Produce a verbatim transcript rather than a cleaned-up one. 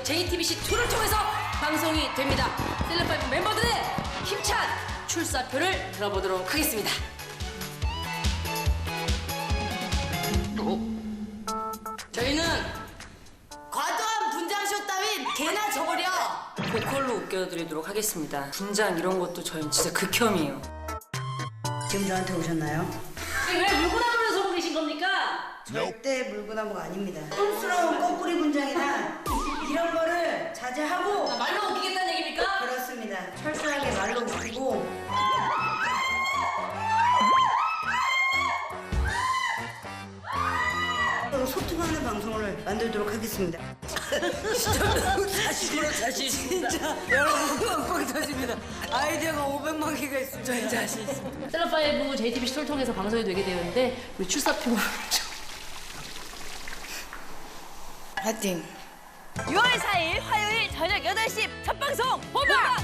제이티비씨이를 통해서 방송이 됩니다. 셀럽파이브 멤버들의 힘찬 출사표를 들어보도록 하겠습니다. 저희는 과도한 분장쇼 따윈 개나 줘버려. 보컬로 웃겨드리도록 하겠습니다. 분장 이런 것도 저희는 진짜 극혐이에요. 지금 저한테 오셨나요? 왜 물구나무를 서고 계신 겁니까? 절대 물구나무가 아닙니다. 촌스러운 꼬부리 분장이나 이런 거를 자제하고. 아, 말로 웃기겠다는 얘기입니까? 그렇습니다. 철저하게 말로 웃기고. 소통하는 방송을 만들도록 하겠습니다. 자신으로 자신 있습니다. 진짜 여러분 꽝꽝 터집니다. 아이디어가 오백만 개가 있습니다. 저희 자신 있습니다. 셀럽파이브 제이티비씨이를 통해서 방송이 되게 되었는데 우리 출사표 파이팅. 유월 사일 화요일 저녁 여덟 시 첫 방송 본방